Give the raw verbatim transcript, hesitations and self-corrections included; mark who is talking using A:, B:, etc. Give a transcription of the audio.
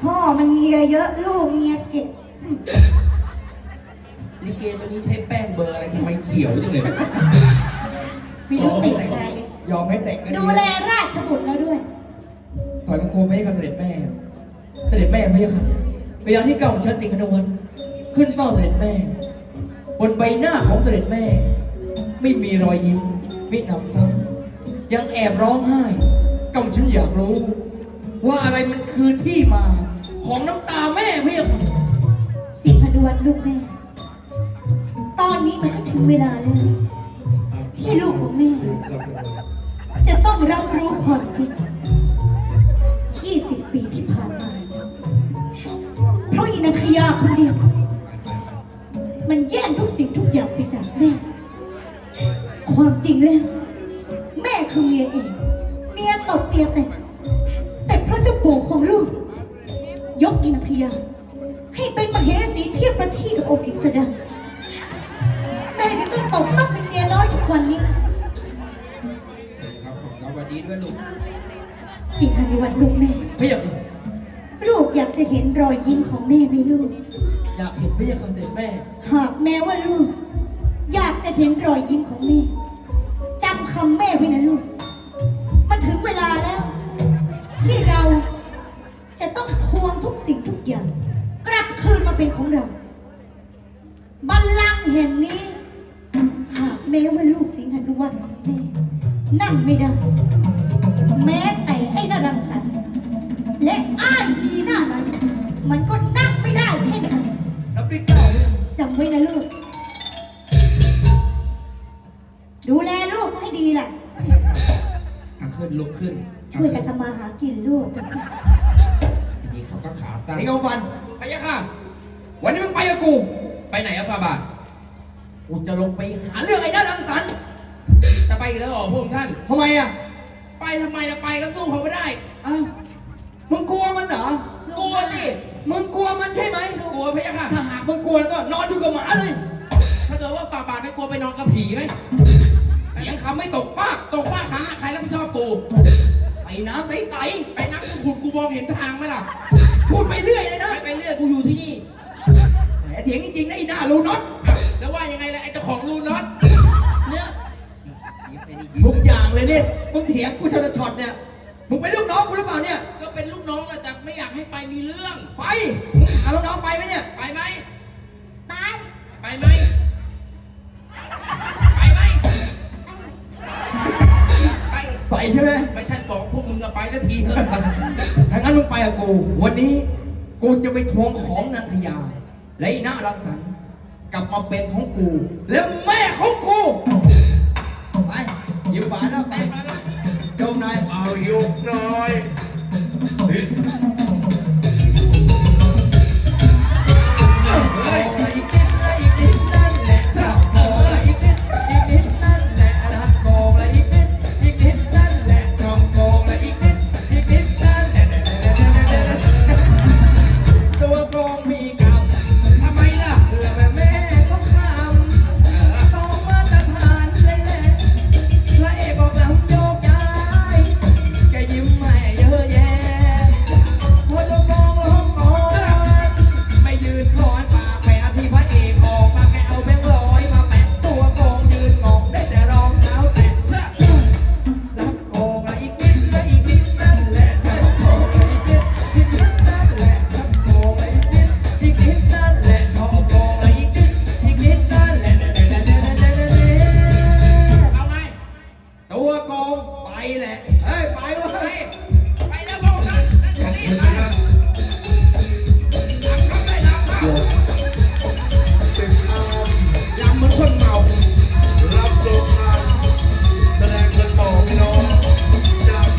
A: พ่อมันเมียเยอะลูกเมียเก็บ
B: ลิเกตัวนี้ใช้แป้งเบอร์อะไรทำไมเขียวจังเลย
A: ไม่รู้ติดใจ
B: ยอมให้แต่งกัน
A: ดูแลราชบุตรแล้วด้วย
B: ถอยมังคมให้กับเสด็จแม่เสด็จแม่ไม่ใช่ค่ะเวลาที่เก่าของฉันสิงห์นวันขึ้นเฝ้าเสด็จแม่บนใบหน้าของเสด็จแม่ไม่มีรอยยิ้มมิหนำซ้ำยังแอบร้องไห้ก่าฉันอยากรู้ว่าอะไรมันคือที่มาของน้ำตาแม่ไม่ใช่ค่ะ
A: สิงห์นวันลูกแม่ตอนนี้มันก็ถึงเวลาแล้วที่ลูกของแม่จะต้องรับรู้ความจริงยี่สิบปีที่ผ่านมาเพราะอินทยาคนเดียวมันแย่งทุกสิ่งทุกอย่างไปจากแม่ความจริงแล้วแม่คือเมียเองเมียตบเมียแต่งแต่เพราะเจ้าปู่ของลูกยกอินทยาให้เป็นมเหสีเทียบประทีกับองค์กฤษดาแม่ที่ต้องตกต้องเป็นเมียน้อยทุกวันนี้
B: ครับผมสวัสดีด้วยลูก
A: สิงหานุวัฒน์ลูกแม่
B: ไม่อยาก
A: ลูกอยากจะเห็นรอยยิ้มของแม่ไหมลูก
B: อยากเห็นไม่อยากเห็นแม่
A: หากแม้ว่าลูกอยากจะเห็นรอยยิ้มของแม่จำคำแม่ไว้นะลูกมันถึงเวลาแล้วที่เราจะต้องทวงทุกสิ่งทุกอย่างกลับคืนมาเป็นของเราบัลลังก์แห่งนี้หากแม้ว่าลูกสิงหานุวัฒน์ของแม่นั่งไม่ได้แม้แต่ไอ้นรังสรรค์และอ้ายอีหน้านั้นมันก็นั่งไม่ได้เช่นกัน
B: รับด้วยเจ้า
A: จำไว้นะลูกดูแลลูกให้ดีแหละ
B: ขึ้นลุกขึ้น
A: ช่วยกันทำมาหากินลูก
B: ทีนี้เขาก็ขาสั้นไอ้เงาฟันไปยะค่ะวันนี้มึงไปกับกูไปไหนอะฟาบาทกูจะลงไปหาเรื่องไอ้ด้านรังสรรค์จะไปอีกแล้วเหรอพวกท่านทำไมอะไปทำไมจะไปก็สู้เขาไม่ได้อ้าวมึงกลัวมันเหรอกลัวสิมึงกลัวมันใช่ไหมกลัวพะยะค่ะถ้าหากมึงกลัวก็นอนอยู่กับหมาเลยถ้าเกิดว่าฟาบาทไม่กลัวไปนอนกับผีไหมเสียงคำไม่ตกป้าตกป้าขาใครรับผิดชอบกูไปน้ำใสๆไปน้ำขุ่นกูมองเห็นทางไหมล่ะพูดไปเรื่อยเลยนะไปเรื่อยกูอยู่ที่นี่แหมเถียงจริงๆนะไอ้หน้าลูน็อตแล้วว่ายังไงล่ะไอ้เจ้าของลูน็อตเนี่ยทุกอย่างเลยเนี่ยมึงเถียงกูช็อตช็อตเนี่ยมึงเป็นลูกน้องกูหรือเปล่าเนี่ยก็เป็นลูกน้องแต่ไม่อยากให้ไปมีเรื่องไปมึงหาลูกน้องไปไหมเนี่ยไปไหม
A: ไป
B: ไปไหมไปไหมไปไปใช่ไหมไม่ใช่บอกพวกมึงจะไปสักทีเถอะถ้างั้นมึงไปกับกูวันนี้กูจะไปทวงของนันทยาและไอ้หน้ารังสรรค์กลับมาเป็นของกูและแม่ของกูไปยิ้มหวานแล้วเต้นมาแล้วโจมนาย
C: เอายุกหน่อย